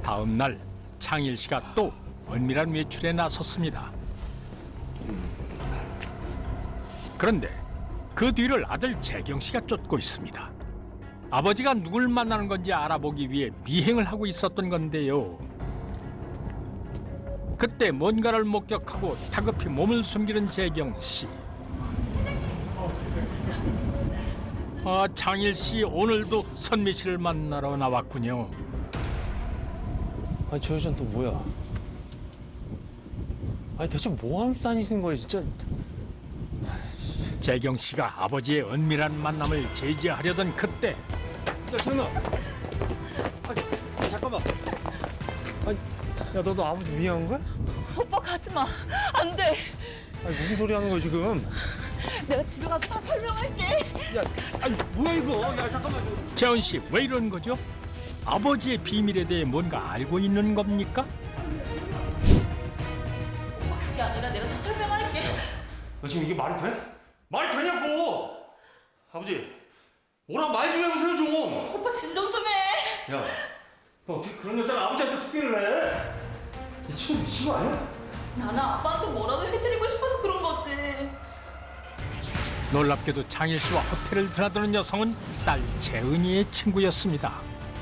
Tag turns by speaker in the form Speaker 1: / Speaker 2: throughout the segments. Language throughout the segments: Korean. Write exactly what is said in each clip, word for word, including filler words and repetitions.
Speaker 1: 다음 날 창일 씨가 또 은밀한 외출에 나섰습니다. 그런데 그 뒤를 아들 재경 씨가 쫓고 있습니다. 아버지가 누굴 만나는 건지 알아보기 위해 미행을 하고 있었던 건데요. 그때 뭔가를 목격하고 다급히 몸을 숨기는 재경 씨. 아, 창일 씨 오늘도 선미 씨를 만나러 나왔군요.
Speaker 2: 아니 저 여자는 또 뭐야? 아니 대체 뭐 하는 싸니신 거예요 진짜?
Speaker 1: 재경 씨가 아버지의 은밀한 만남을 제지하려던 그때
Speaker 2: 야 재현아, 아니 잠깐만. 아니 야 너도 아버지 미행한 거야?
Speaker 3: 오빠 가지 마. 안 돼.
Speaker 2: 아니 무슨 소리 하는 거야 지금?
Speaker 3: 내가 집에 가서 다 설명할게.
Speaker 2: 야, 아니 뭐야 이거? 야 잠깐만.
Speaker 1: 재원 씨 왜 이러는 거죠? 아버지의 비밀에 대해 뭔가 알고 있는 겁니까?
Speaker 3: 오빠 그게 아니라 내가 다 설명할게.
Speaker 2: 너 지금 이게 말이 돼? 말이 되냐고! 아버지, 뭐라 말 좀 해보세요 좀.
Speaker 3: 오빠 진정 좀 해.
Speaker 2: 야, 너 어떻게 그런 여자를 아버지한테 소개를 해? 이 친구 미친 거 아니야?
Speaker 3: 나는 아빠한테 뭐라도 해드리고 싶어서 그런 거지.
Speaker 1: 놀랍게도 창일 씨와 호텔을 드나드는 여성은 딸 재은이의 친구였습니다.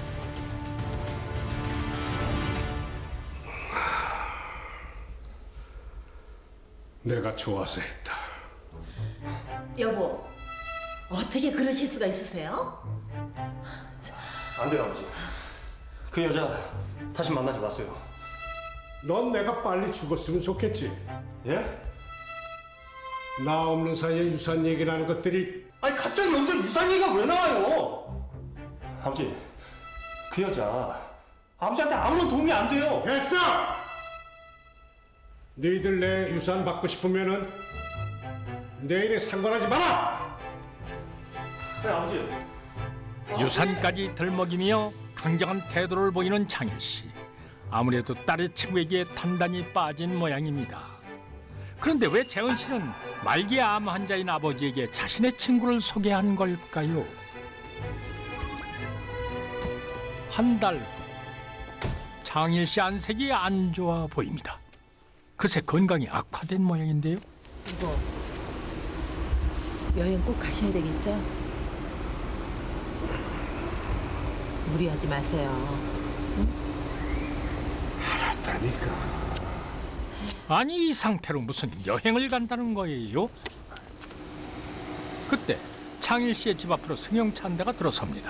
Speaker 4: 내가 좋아서 했다.
Speaker 5: 여보, 어떻게 그러실 수가 있으세요?
Speaker 2: 안 돼요 아버지. 그 여자 다시 만나지 마세요.
Speaker 4: 넌 내가 빨리 죽었으면 좋겠지.
Speaker 2: 예?
Speaker 4: 나 없는 사이에 유산 얘기라는 것들이
Speaker 2: 아니 갑자기 여기서 유산 얘기가 왜 나와요? 아버지, 그 여자 아버지한테 아무런 도움이 안 돼요.
Speaker 4: 됐어! 너희들 내 유산 받고 싶으면은 내일에 상관하지 마라!
Speaker 2: 네 아버지.
Speaker 1: 유산까지 들먹이며 강경한 태도를 보이는 창일 씨. 아무래도 딸의 친구에게 단단히 빠진 모양입니다. 그런데 왜 재은 씨는 말기 암 환자인 아버지에게 자신의 친구를 소개한 걸까요? 한 달 후 창일 씨 안색이 안 좋아 보입니다. 그새 건강이 악화된 모양인데요.
Speaker 5: 이거 여행 꼭 가셔야 되겠죠? 무리하지 마세요.
Speaker 4: 알았다니까.
Speaker 1: 아니 이 상태로 무슨 여행을 간다는 거예요? 그때 창일 씨의 집 앞으로 승용차 한 대가 들어섭니다.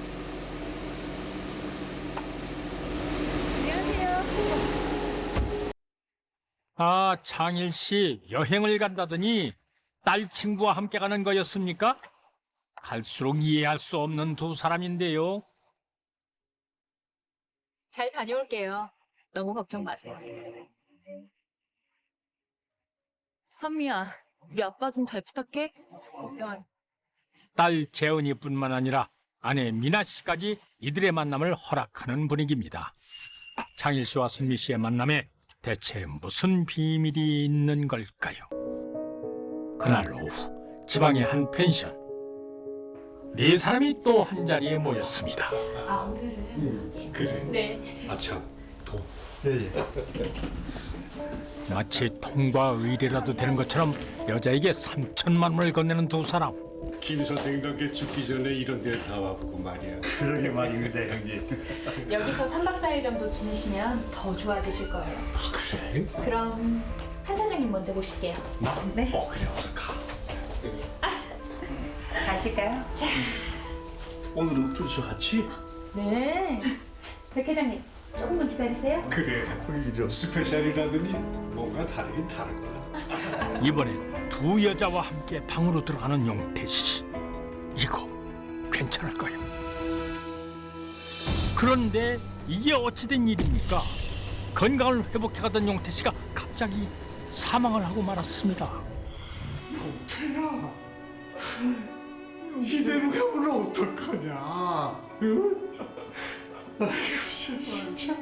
Speaker 1: 아, 창일 씨 여행을 간다더니 딸 친구와 함께 가는 거였습니까? 갈수록 이해할 수 없는 두 사람인데요.
Speaker 3: 잘 다녀올게요. 너무 걱정 마세요. 선미야, 우리 아빠 좀 잘 부탁해.
Speaker 1: 딸 재은이뿐만 아니라 아내 미나 씨까지 이들의 만남을 허락하는 분위기입니다. 창일 씨와 선미 씨의 만남에 대체 무슨 비밀이 있는 걸까요? 그날 오후 지방의 한 펜션. 네 사람이 또 한 자리에 모였습니다.
Speaker 3: 아, 오늘은?
Speaker 4: 그래.
Speaker 3: 네.
Speaker 4: 아참, 도.
Speaker 1: 마치 통과 의례라도 되는 것처럼 여자에게 삼천만 원을 건네는 두 사람.
Speaker 4: 김 선생님께 죽기 전에 이런 데를 다 와보고 말이야.
Speaker 6: 그러게 말입니다, 형님.
Speaker 7: 여기서 삼 박 사 일 정도 지내시면 더 좋아지실 거예요.
Speaker 4: 아, 그래?
Speaker 7: 그럼 한 사장님 먼저 모실게요.
Speaker 4: 나? 네. 어, 그래, 어서 가.
Speaker 5: 가실까요? 자,
Speaker 6: 오늘은 둘이서 같이?
Speaker 7: 네. 백 회장님, 조금만 기다리세요.
Speaker 4: 그래. 스페셜이라더니 뭔가 다르긴 다르구나.
Speaker 1: 이번엔 두 여자와 함께 방으로 들어가는 용태 씨. 이거 괜찮을까요? 그런데 이게 어찌된 일입니까? 건강을 회복해가던 용태 씨가 갑자기 사망을 하고 말았습니다.
Speaker 4: 용태야, 이대로 가면 어떡하냐? 응? 아이고, 진짜.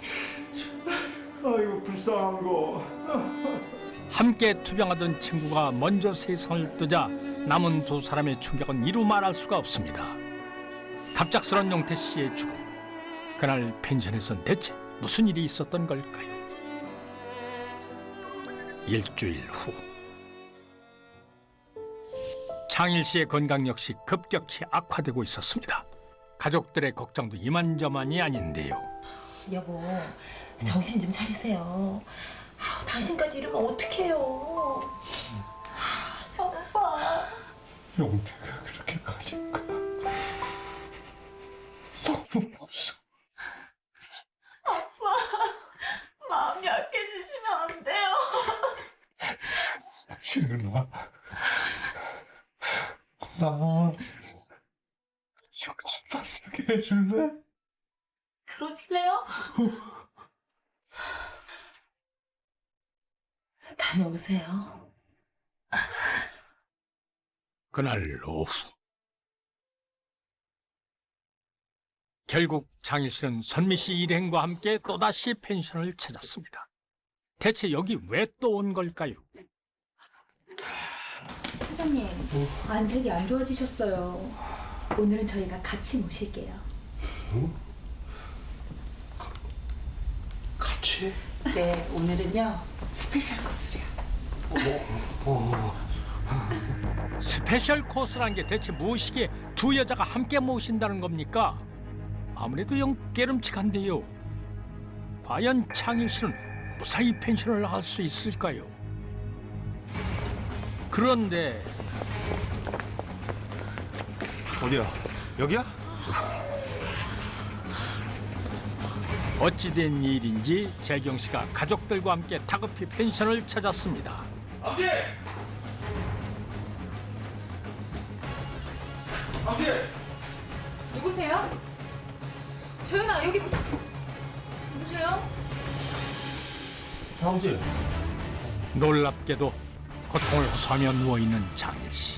Speaker 4: 아이고, 불쌍한 거.
Speaker 1: 함께 투병하던 친구가 먼저 세상을 뜨자 남은 두 사람의 충격은 이루 말할 수가 없습니다. 갑작스런 용태 씨의 죽음. 그날 펜션에선 대체 무슨 일이 있었던 걸까요? 일주일 후 창일 씨의 건강 역시 급격히 악화되고 있었습니다. 가족들의 걱정도 이만저만이 아닌데요.
Speaker 5: 여보, 정신 좀 차리세요. 아, 당신까지 이러면 어떡해요. 아, 오빠.
Speaker 6: 용태가 그렇게 가질까? 너무 무서워.
Speaker 3: 마음이 약해지시면 안 돼요.
Speaker 6: 지은아, 나 정신 바르게 해줄래?
Speaker 3: 그러실래요?
Speaker 5: 다녀오세요.
Speaker 1: 그날 오후 결국 장일 씨는 선미 씨 일행과 함께 또다시 펜션을 찾았습니다. 대체 여기 왜 또 온 걸까요?
Speaker 7: 회장님, 안색이 안 좋아지셨어요. 오늘은 저희가 같이 모실게요.
Speaker 6: 같이?
Speaker 5: 네, 오늘은요 스페셜 코스래요.
Speaker 1: 스페셜 코스란 게 대체 무엇이기에 두 여자가 함께 모신다는 겁니까? 아무래도 영 깨름칙한데요. 과연 창일 씨는 무사히 펜션을 할 수 있을까요? 그런데
Speaker 2: 어디야? 여기야?
Speaker 1: 어찌된 일인지 재경 씨가 가족들과 함께 다급히 펜션을 찾았습니다.
Speaker 2: 아버지! 아버지!
Speaker 7: 누구세요? 조연아, 여기 무슨...
Speaker 3: 누구세요?
Speaker 2: 아버지!
Speaker 1: 놀랍게도 고통을 호소하며 누워있는 장일 씨.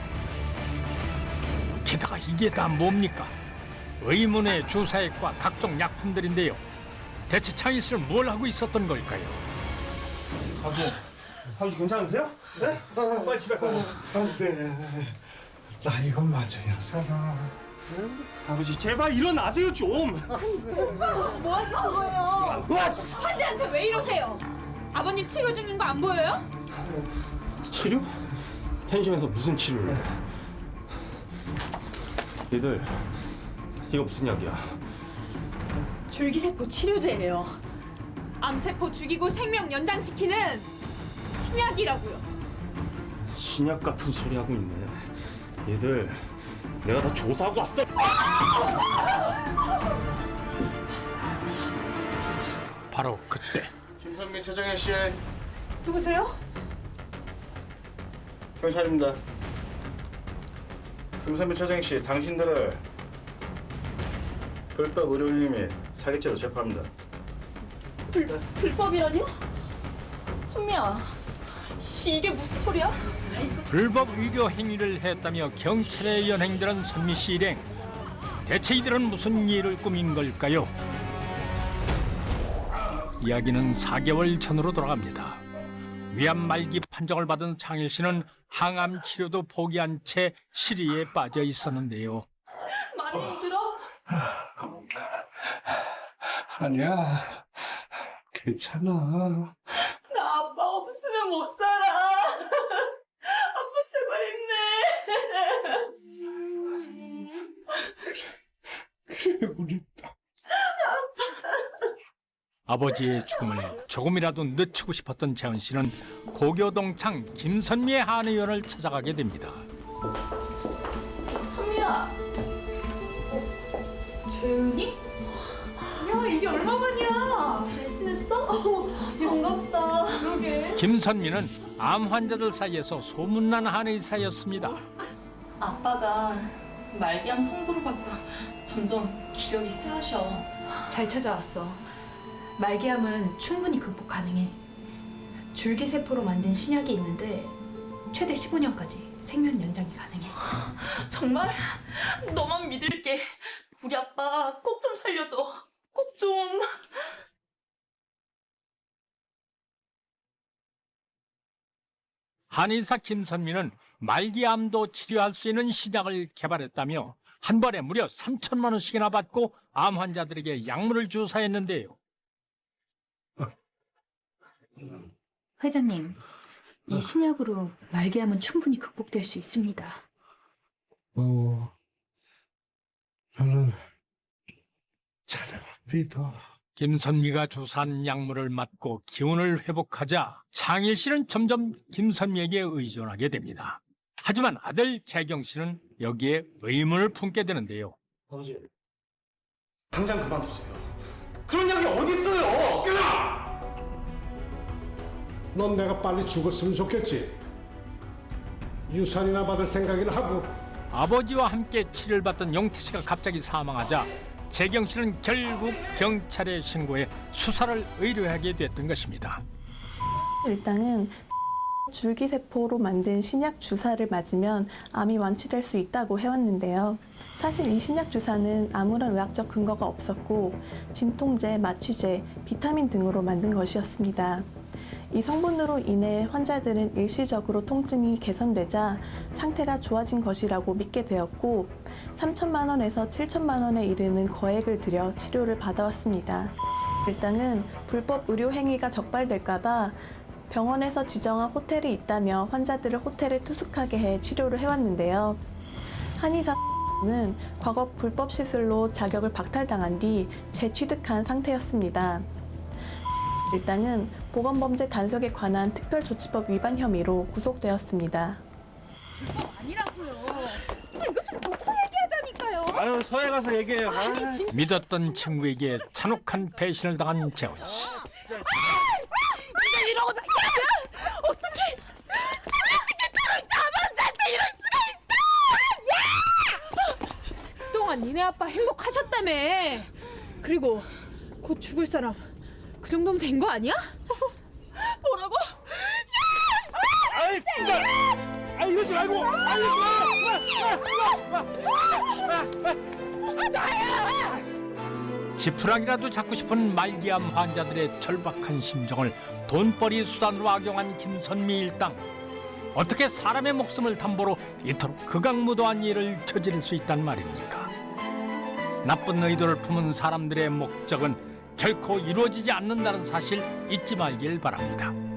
Speaker 1: 게다가 이게 다 뭡니까? 의문의 주사액과 각종 약품들인데요. 대체 창일 씨는 뭘 하고 있었던 걸까요?
Speaker 2: 아버지! 아버지 괜찮으세요? 네? 빨리 집에 가요.
Speaker 6: 안 돼. 나 이거 맞아야 살아.
Speaker 2: 아버지 제발 일어나세요 좀!
Speaker 3: 뭐 하시는 거예요? 환자한테 왜 이러세요? 아버님 치료 중인 거 안 보여요?
Speaker 2: 치료? 펜션에서 무슨 치료를 해? 얘들 이거 무슨 약이야?
Speaker 3: 줄기세포 치료제예요. 암세포 죽이고 생명 연장시키는 신약이라고요.
Speaker 2: 신약 같은 소리 하고 있네. 얘들 내가 다 조사하고 왔어.
Speaker 1: 바로 그때
Speaker 6: 김선민 최정현 씨,
Speaker 3: 누구세요?
Speaker 6: 경찰입니다. 김선민 최정현 씨, 당신들을 불법 의료행위 및 사기죄로 체포합니다.
Speaker 3: 불, 불법이라뇨? 선미야, 이게 무슨 소리야?
Speaker 1: 불법 의료 행위를 했다며 경찰에 연행되는 선미 씨 일행. 대체 이들은 무슨 일을 꾸민 걸까요? 이야기는 사 개월 전으로 돌아갑니다. 위암 말기 판정을 받은 창일 씨는 항암 치료도 포기한 채 시리에 빠져 있었는데요.
Speaker 3: 많이 힘들어?
Speaker 6: 아니야, 괜찮아.
Speaker 3: 나 아빠 없으면 못 살아. 아빠 제발 힘내.
Speaker 6: 그래, 우리 딸.
Speaker 1: 아버지의 죽음을 조금이라도 늦추고 싶었던 재현 씨는 고교동창 김선미의 한의원을 찾아가게 됩니다.
Speaker 3: 선미야. 재윤이? 야, 이게 얼마만이야? 잘 지냈어? 반갑다. 그러게.
Speaker 1: 김선미는 암 환자들 사이에서 소문난 한의사였습니다.
Speaker 8: 아빠가 말기암 선고를 받고 점점 기력이 쇠하셔.
Speaker 7: 잘 찾아왔어. 말기암은 충분히 극복 가능해. 줄기세포로 만든 신약이 있는데 최대 십오 년까지 생명 연장이 가능해.
Speaker 3: 정말? 너만 믿을게. 우리 아빠 꼭 좀 살려줘. 꼭 좀.
Speaker 1: 한의사 김선미는 말기암도 치료할 수 있는 신약을 개발했다며 한 번에 무려 삼천만 원씩이나 받고 암 환자들에게 약물을 주사했는데요.
Speaker 7: 회장님, 이 신약으로 말기암은 충분히 극복될 수 있습니다.
Speaker 6: 고마워. 나는 자네만 믿어.
Speaker 1: 김선미가 주사한 약물을 맞고 기운을 회복하자 창일 씨는 점점 김선미에게 의존하게 됩니다. 하지만 아들 재경 씨는 여기에 의문을 품게 되는데요.
Speaker 2: 아버지, 당장 그만두세요. 그런 약이 어디 있어요? 시끄러!
Speaker 4: 넌 내가 빨리 죽었으면 좋겠지. 유산이나 받을 생각이나 하고.
Speaker 1: 아버지와 함께 치료를 받던 용태 씨가 갑자기 사망하자 재경 씨는 결국 경찰에 신고해 수사를 의뢰하게 됐던 것입니다.
Speaker 9: 일단은 줄기세포로 만든 신약 주사를 맞으면 암이 완치될 수 있다고 해왔는데요. 사실 이 신약 주사는 아무런 의학적 근거가 없었고 진통제, 마취제, 비타민 등으로 만든 것이었습니다. 이 성분으로 인해 환자들은 일시적으로 통증이 개선되자 상태가 좋아진 것이라고 믿게 되었고 삼천만 원에서 칠천만 원에 이르는 거액을 들여 치료를 받아왔습니다. 일당은 불법 의료 행위가 적발될까 봐 병원에서 지정한 호텔이 있다며 환자들을 호텔에 투숙하게 해 치료를 해왔는데요. 한의사는 과거 불법 시술로 자격을 박탈당한 뒤 재취득한 상태였습니다. 일당은 보건범죄 단속에 관한 특별조치법 위반 혐의로 구속되었습니다.
Speaker 6: 아유, 서해 가서 얘기해요. 아,
Speaker 1: 믿었던 친구에게 잔혹한 배신을 당한 재원 씨.
Speaker 3: 네가 이러고 나가면 어떻게 삼십개토록 자본자한테 이럴 수가 있어!
Speaker 10: 그동안 니네 아빠 행복하셨다며. 그리고 곧 죽을 사람 그 정도면 된 거 아니야?
Speaker 3: 뭐라고?
Speaker 6: 아이, 진짜! 아, 이러지 말고! 아, 이러지 마!
Speaker 1: 지푸라기라도 잡고 싶은 말기암 환자들의 절박한 심정을 돈벌이 수단으로 악용한 김선미 일당. 어떻게 사람의 목숨을 담보로 이토록 극악무도한 일을 저지를 수 있단 말입니까? 나쁜 의도를 품은 사람들의 목적은 결코 이루어지지 않는다는 사실 잊지 말길 바랍니다.